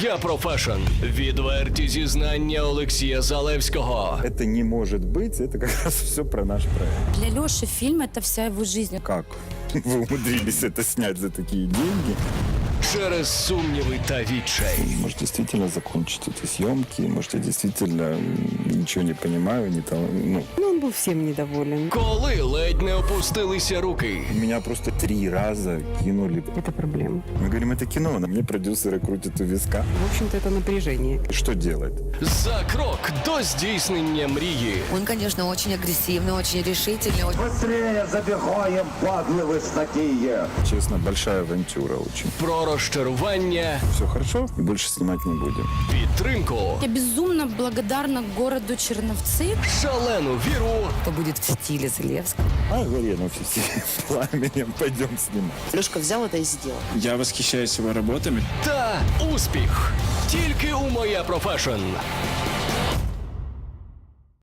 Моя профешн. Відверті зізнання Олексія Залевського. Это не может быть, это как раз все про наш проект. Для Лёши фильм — это вся его жизнь. Как вы умудрились это снять за такие деньги? Через сумніви та відчай. Может, действительно закончить эти съемки, может, я действительно ничего не понимаю, не там, ну. Ну, он был всем недоволен. Коли ледь не опустилися руки. Меня просто 3 раза кинули. Это проблема. Мы говорим, это кино, на мне продюсеры крутят у виска. В общем-то, это напряжение. И что делать? За крок до здійснення мрії. Он, конечно, очень агрессивный, очень решительный. Быстрее забегаем, падлы вы такие! Честно, большая авантюра очень. Про розчарування, Все хорошо, и больше снимать не будем. підтримку, Я безумно благодарна городу Черновцы. шалену віру Кто будет в стиле Залевского. А Гарену все пламенем пойдем снимать. Лешка взял это и сделал. Я восхищаюсь его работами. та успіх. Тільки у Моя профешн.